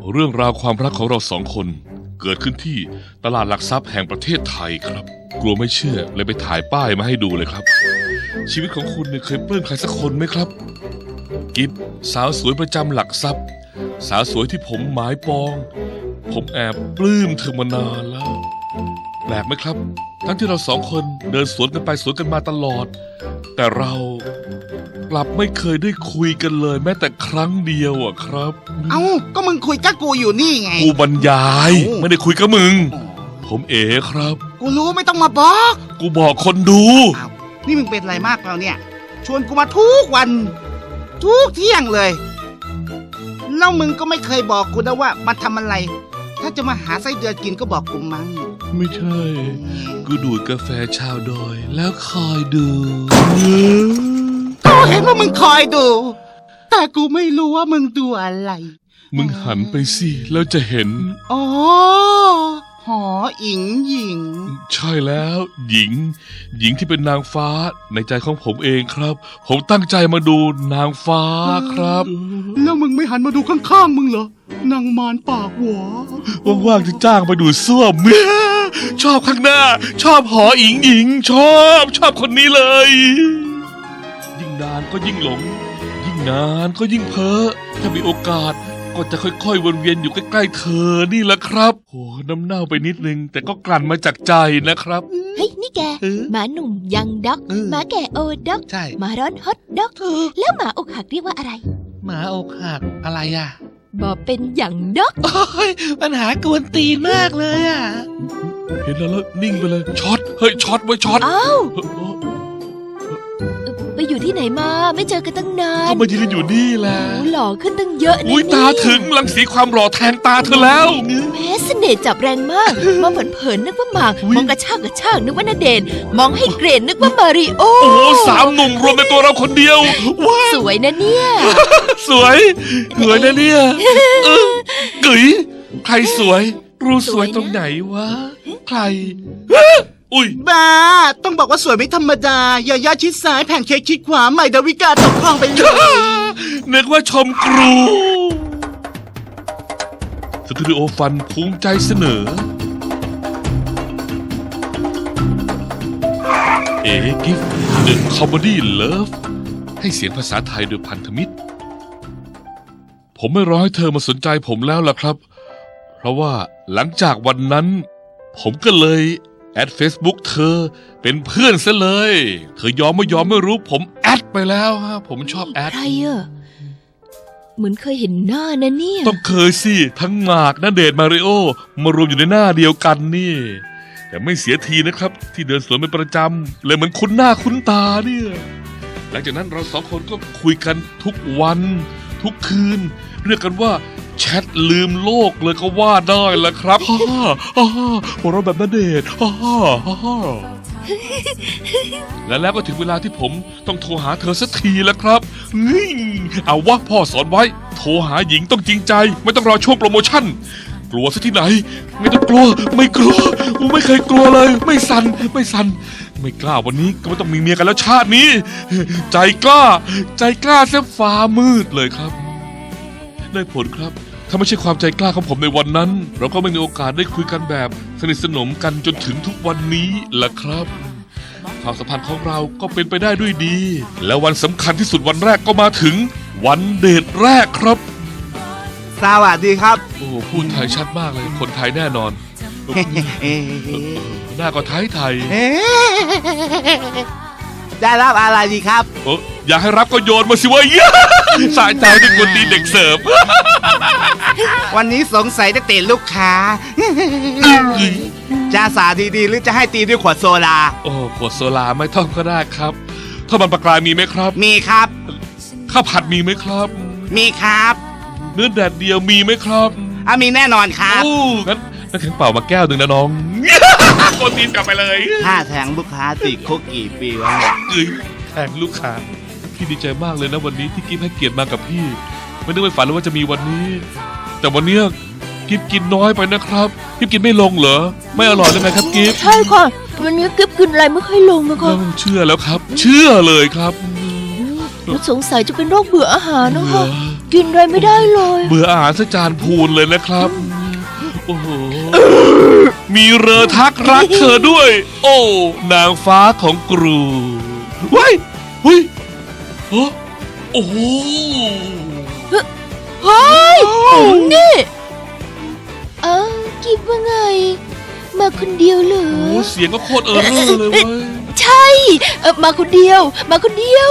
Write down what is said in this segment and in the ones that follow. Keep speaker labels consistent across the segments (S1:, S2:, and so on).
S1: เรื่องราวความรักของเราสองคนเกิดขึ้นที่ตลาดหลักทรัพย์แห่งประเทศไทยครับกลัวไม่เชื่อเลยไปถ่ายป้ายมาให้ดูเลยครับชีวิตของคุณเนี่ยเคยปลื้มใครสักคนไหมครับกิฟสาวสวยประจำหลักทรัพย์สาวสวยที่ผมหมายปองผมแอบปลื้มเธอมานานแล้วแปลกไหมครับทั้งที่เราสองคนเดินสวนกันไปสวนกันมาตลอดแต่เรากลับไม่เคยได้คุยกันเลยแม้แต่ครั้งเดียวอะครับ
S2: เอ้าก็มึงคุยกับกูอยู่นี่ไง
S1: กูบรรยายไม่ได้คุยกับมึงผมเอ๋ครับ
S2: กูรู้ไม่ต้องมาบอก
S1: กูบอกคนดู
S2: อ้าวนี่มึงเป็นอะไรมากแล้วเนี่ยชวนกูมาทุกวันทุกเที่ยงเลยแล้วมึงก็ไม่เคยบอกกูนะว่ามาทำอะไรถ้าจะมาหาไส้เดือนกินก็บอกกูมั้ง
S1: ไม่ใช่กูดูดกาแฟชาวดอยแล้วคอยดู
S2: กูเห็นว่ามึงคอยดูแต่กูไม่รู้ว่ามึงดูอะไร
S1: มึงหันไปสิแล้วจะเห็น
S2: อ๋อหออิงหญิง
S1: ใช่แล้วหญิงที่เป็นนางฟ้าในใจของผมเองครับผมตั้งใจมาดูนางฟ้าครับ
S2: แล้วมึงไม่หันมาดูข้างๆมึงเหรอนางมารปากหวา
S1: ว่างๆจะจ้างไปดูส้วมชอบข้างหน้าชอบหออิงหญิงชอบคนนี้เลยยิ่งนานก็ยิ่งหลงยิ่งนานก็ยิ่งเพ้อถ้ามีโอกาสก็จะค่อยๆวนเวียนอยู่ใกล้ๆเธอนี่แหละครับโอ้น้ำเน่าไปนิดนึงแต่ก็กลั่นมาจากใจนะครับ
S3: เฮ้ยนี่แกหมาหนุ่มยังด็อกหมาแก่โอด็อกหมาร้อนฮอตด็อกแล้วหมาอกหักเรียกว่าอะไร
S2: หมาอกหักอะไรอ่ะ
S3: บอกเป็นอย่างด็อก
S2: โอ้ยปัญหากวนตีนมากเลยอ่ะ
S1: เห็นแล้วนิ่งไปเลยช็อตเฮ้ยช็อตไว้ช็อต
S3: อ้าวไปอยู่ที่ไหนมาไม่เจอกันตั้งนาน
S1: ก็มายืนอยู่นี่แหละ
S3: หล่อขึ้นตั้งเยอะนะ
S1: อุ้ยตาถึงรังสีความหล่อแทงตาเธอแล้ว
S3: แม้เสน่ห์จับแรงมากมองเผินๆนึกว่าหมากมองกระชากนึกว่าณเดชน์มองให้เกรดนึกว่ามาริโอ
S1: โอ้สามหนุ่มรวมในตัวเราคนเดียวว้า
S3: สวยนะเนี่ย
S1: สวยนะเนี่ยกึ๋ยใครสวยรู้สวยตรงไหนวะใครอุ้ย
S2: บ้าต้องบอกว่าสวยไม่ธรรมดายาย่าชิดซ้ายแผ่นเค้กชิดขวาใหม่ดาวิกาตกคลองไปเลย
S1: นึกว่าชมครูสตูดิโอฟันภูมิใจเสนอกิฟต์เดอะคอมเมดี้เลิฟให้เสียงภาษาไทยโดยพันธมิตรผมไม่รอให้เธอมาสนใจผมแล้วล่ะครับเพราะว่าหลังจากวันนั้นผมก็เลยแอด Facebook เธอเป็นเพื่อนซะเลยเธอยอมไม่รู้ผมแอดไปแล้วฮะผมชอบแอด
S3: ใครอะเหมือนเคยเห็นหน้านะเนี่ย
S1: ต้องเคยสิทั้งหมากณเดชน์มาริโอมารวมอยู่ในหน้าเดียวกันนี่แต่ไม่เสียทีนะครับที่เดินสวนเป็นประจำเลยเหมือนคุ้นหน้าคุ้นตาเนี่ยหลังจากนั้นเราสองคนก็คุยกันทุกวันทุกคืนเรียกกันว่าแชทลืมโลกเลยก็ว่าได้ละครับหัวเราะแบบณเดชน์แล้วก็ถึงเวลาที่ผมต้องโทรหาเธอสักทีแล้วครับเอาวะพ่อสอนไว้โทรหาหญิงต้องจริงใจไม่ต้องรอช่วงโปรโมชั่นกลัวซะที่ไหนไม่ต้องกลัวไม่กลัวกูไม่เคยกลัวเลยไม่สั่นไม่กล้าวันนี้ก็ไม่ต้องมีเมียกันแล้วชาตินี้ใจกล้าเสียฟ้ามืดเลยครับได้ผลครับถ้าไม่ใช่ความใจกล้าของผมในวันนั้นเราก็ไม่มีโอกาสได้คุยกันแบบสนิทสนมกันจนถึงทุกวันนี้ล่ะครับความสัมพันธ์ของเราก็เป็นไปได้ด้วยดีและวันสำคัญที่สุดวันแรกก็มาถึงวันเดทแรกครับ
S2: สวัสดีครับ
S1: โอ้พูดไทยชัดมากเลยคนไทยแน่นอนหน้าก็ไทย
S2: ได้รับอะไรดีครับ
S1: อยากให้รับก็โยนมาสิวะสายใจที่กวนตีเด็กเสิร์ฟ
S2: วันนี้สงสัยจะเตะลูกค้าจะสาดีๆหรือจะให้ตีด้วยขวดโซดา
S1: ขวดโซดาไม่ต้องก็ได้ครับถ้ามันปลากรายมีไหมครับ
S2: มีครับ
S1: ข้าวผัดมีไหมครับ
S2: มีครับ
S1: เนื้อแดดเดียวมีไหมครับ
S2: มีแน่นอนครับ
S1: งั้นแข็งเปล่ามาแก้วหนึ่งนะน้องโกนตีนกลับไปเลย
S2: ถ้าแทงลูกค้าติดคุกกี่ปีวะ
S1: แทงลูกค้าพี่ดีใจมากเลยนะวันนี้ที่กิ๊ฟให้เกียรติมากับพี่ไม่นึกไม่ฝันเลยว่าจะมีวันนี้แต่วันนี้กิ๊ฟกินน้อยไปนะครับกิ๊ฟกินไม่ลงเหรอไม่อร่อยเลยไงครับกิ๊ฟ
S3: ใช่ค่ะวันนี้กิ๊ฟกินอะไรไม่ค่อยลงนะคะ
S1: เชื่อแล้วครับเชื่อเลยครับ
S3: สงสัยจะเป็นโรคเบื่ออาหารนะคะกินอะไรไม่ได้เลย
S1: เบื่ออาหารสักจานพูนเลยนะครับ โอ้โห มีเรือทักรักเธอด้วย โอ้ นางฟ้าของกรูเฮ้ยเฮ้ยโอ้โห
S3: เฮ้ยนี่กิฟว่าไง มาคนเดียวเหรอ
S1: โอ้เสียงก็โคตรเร่อเลยเว้ย
S3: ใช่มาคนเดียว มาคนเดียว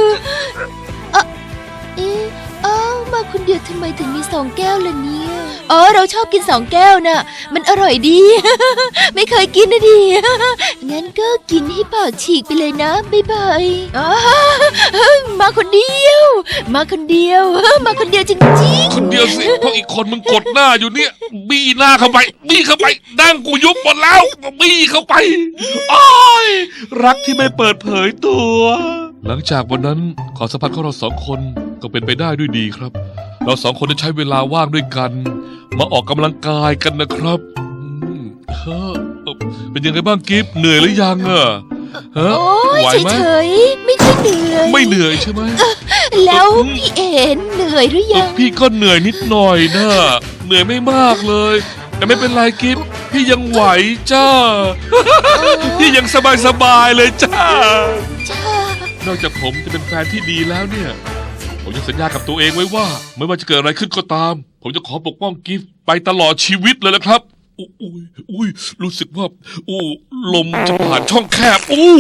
S3: มาคนเดียวทำไมถึงมี2 แก้วล่ะเนี่ยเราชอบกิน2 แก้วน่ะ มันอร่อยดี ไม่เคยกินนะดิ งั้นก็กินให้ปากฉีกไปเลยนะบ๊ายบายมาคนเดียว มาคนเดียว มาคนเดียวจริง
S1: คนเดียวสิเพราะอีกคนมึงกดหน้าอยู่เนี่ย บี้หน้าเข้าไป บี้เข้าไปดั้งกูยุบหมดแล้ว บี้เข้าไปอ้อยรักที่ไม่เปิดเผยตัว หลังจากวันนั้นความสัมพันธ์ของเรา2 คนก็เป็นไปได้ด้วยดีครับ เรา2 คนได้ใช้เวลาว่างด้วยกัน มาออกกำลังกายกันนะครับเป็นยังไงบ้างกิฟต์เหนื่อยหรือยังอะฮะ
S3: ๆ โอ้ย
S1: ไหวไหม
S3: เฉยๆ ไม่ค่อยเหนื่อย
S1: ไม่เหนื่อยใช่ไหม
S3: แล้วพี่เอ็นเหนื่อยหรือยัง
S1: พี่ก็เหนื่อยนิดหน่อยนะเหนื่อยไม่มากเลย แต่ไม่เป็นไรกิฟต์พี่ยังไหวจ้า พี่ยังสบายๆเลยจ้า นอกจากผมจะเป็นแฟนที่ดีแล้วเนี่ย ผมยังสัญญากับตัวเองไว้ว่า ไม่ว่าจะเกิดอะไรขึ้นก็ตาม ผมจะขอปกป้องกิฟต์ไปตลอดชีวิตเลยนะครับอุ้ยรู้สึกว่าลมจะผ่านช่องแคบ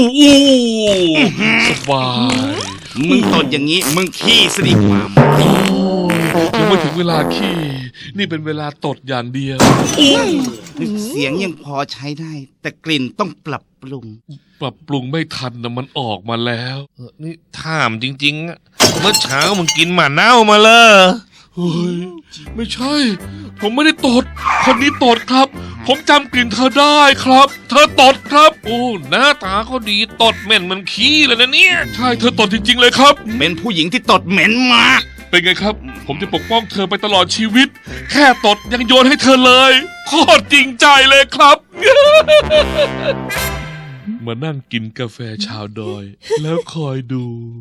S1: สบาย
S2: มึงตดอย่างนี้มึงขี้สิดีกว่า
S1: ยังไม่ถึงเวลาขี้ นี่เป็นเวลาตดอย่างเดียว
S2: เสียงยังพอใช้ได้ แต่กลิ่นต้องปรับปรุง
S1: ปรับปรุงไม่ทันนะมันออกมาแล้ว
S4: นี่ถามจริงๆอะเมื่อเช้ามึงกินหมาเน่ามาเลย
S1: เฮ้ยไม่ใช่ ผมไม่ได้ตด คนนี้ตดครับ ผมจำกลิ่นเธอได้ครับ เธอตดครับ
S4: โอ้หน้าตาเขาดีตดเหม็นมันขี้เลยนะเนี่ย
S1: ใช่เธอตดจริงๆเลยครับ
S2: เป็นผู้หญิงที่ตดเหม็นมาก
S1: เป็นไงครับ ผมจะปกป้องเธอไปตลอดชีวิต แค่ตดยังโยนให้เธอเลย โคตรจริงใจเลยครับ มานั่งกินกาแฟชาวดอย แล้วคอยดู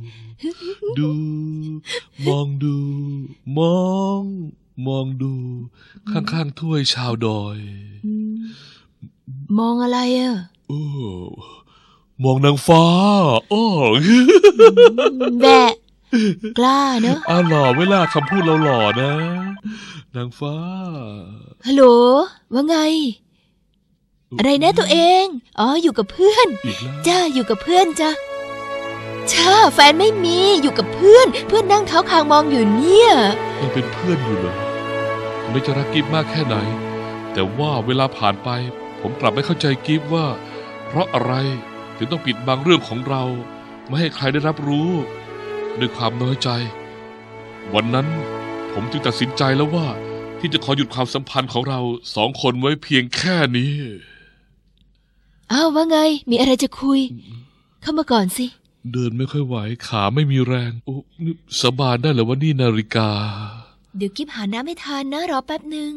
S1: มองดู มองดู ข้างๆถ้วยชาวดอย
S3: มองอะไรอ่ะ
S1: โอ้มองนางฟ้าโอ้
S3: แบะกล้าเนอะ
S1: หล่อเวลาคำพูดเราหล่อนะ นางฟ้า
S3: ฮัลโหลว่าไง อะไรนะตัวเองอยู่กับเพื่อน
S1: อีกแล้ว
S3: จ้าอยู่กับเพื่อนจ้าแฟนไม่มีอยู่กับเพื่อนนั่งเท้าคางมองอยู่เนี่ย
S1: ยังเป็นเพื่อนอยู่เหรอไม่จะรักกิฟมากแค่ไหน แต่ว่าเวลาผ่านไป ผมกลับไม่เข้าใจกิฟว่า เพราะอะไรถึงต้องปิดบังเรื่องของเรา ไม่ให้ใครได้รับรู้ด้วยความน้อยใจ วันนั้นผมจึงตัดสินใจแล้วว่า ที่จะขอหยุดความสัมพันธ์ของเรา2 คนไว้เพียงแค่นี้
S3: อ้าวว่าไงมีอะไรจะคุย เข้ามาก่อนสิ
S1: เดินไม่ค่อยไหวขาไม่มีแรงโอ้นี่สาบานได้เหรอว่านี่นาฬิกา
S3: เดี๋ยวกิ๊บหาน้ำให้ทานนะรอแป๊บหนึ่ง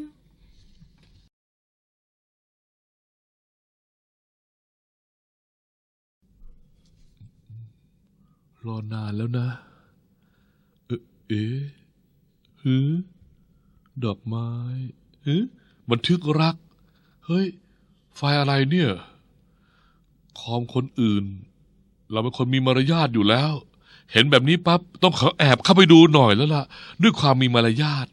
S1: รอนานแล้วนะ ดอกไม้บันทึกรัก เฮ้ย ไฟล์อะไรเนี่ย คอมคนอื่น เราเป็นคนมีมารยาทอยู่แล้ว เห็นแบบนี้ปั๊บต้องขอแอบเข้าไปดูหน่อยแล้วล่ะ ด้วยความมีมารยาท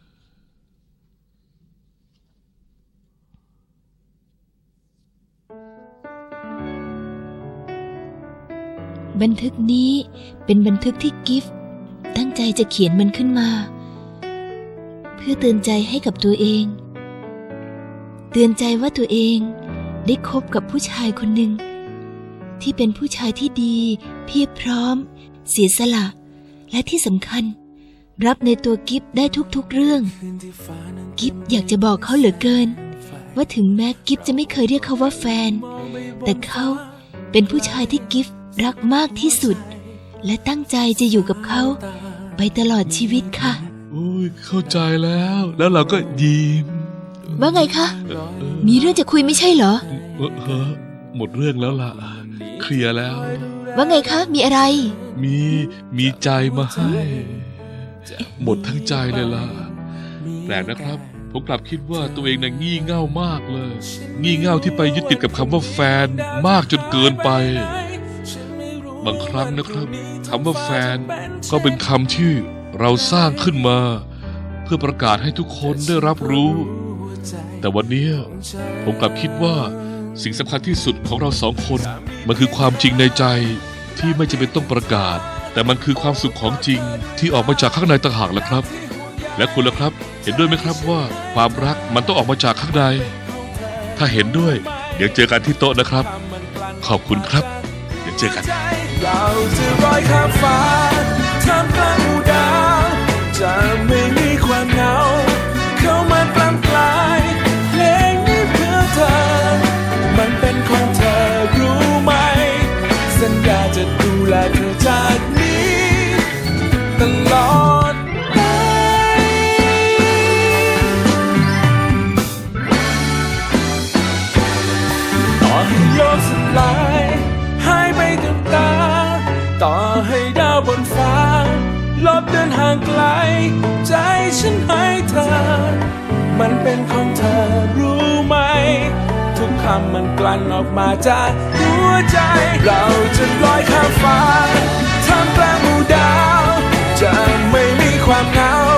S3: บันทึกนี้เป็นบันทึกที่กิฟต์ตั้งใจจะเขียนมันขึ้นมา เพื่อเตือนใจให้กับตัวเอง เตือนใจว่าตัวเองได้คบกับผู้ชายคนหนึ่งที่เป็นผู้ชายที่ดีเพียบพร้อม เสียสละและที่สำคัญ รับในตัวกิฟต์ได้ทุกๆเรื่อง กิฟต์อยากจะบอกเขาเหลือเกิน ว่าถึงแม้กิฟต์จะไม่เคยเรียกเขาว่าแฟน แต่เขาเป็นผู้ชายที่กิฟต์รักมากที่สุด และตั้งใจจะอยู่กับเขาไปตลอดชีวิตค่ะ
S1: โอ้ยเข้าใจแล้ว แล้วเราก็ยิ้ม
S3: ว่าไงคะ มีเรื่องจะคุยไม่ใช่เหรอ
S1: หมดเรื่องแล้วล่ะ เคลียร์แล้ว
S3: ว่าไงคะ มีอะไร
S1: มีใจมาให้หมดทั้งใจเลยล่ะแปลกนะครับ ผมกลับคิดว่าตัวเองน่ะงี่เง่ามากเลย งี่เง่าที่ไปยึดติดกับคำว่าแฟนมากจนเกินไป บางครั้งนะครับคำว่าแฟนก็เป็นคำที่เราสร้างขึ้นมา เพื่อประกาศให้ทุกคนได้รับรู้ แต่วันนี้ผมกลับคิดว่าสิ่งสำคัญที่สุดของเราสองคนมันคือความจริงในใจที่ไม่จำเป็นต้องประกาศ แต่มันคือความสุขของจริงที่ออกมาจากข้างในต่างหากล่ะครับ และคุณล่ะครับ เห็นด้วยไหมครับว่าความรักมันต้องออกมาจากข้างในถ้าเห็นด้วยเดี๋ยวเจอกันที่โต๊ะนะครับ ขอบคุณครับเดี๋ยวเจอกัน
S5: เราจะลอยข้ามฟ้าท่ามกลางหมู่ดาวจะไม่มีความเหงาเข้ามากลางกลายเพลงนี้เพื่อเธอมันเป็นของเธอรู้ไหมสัญญาจะดูแลเธอจากนี้ตลอดไปต่อให้โลกสลายหายไปกับตาต่อให้ดาวบนฟ้าลบเดินห่างไกลใจฉันให้เธอมันเป็นของเธอรู้ไหมทุกคำมันกลั่นออกมาจากหัวใจเราจะลอยข้ามฟ้าท่ามกลางหมู่ดาวจะไม่มีความเหงา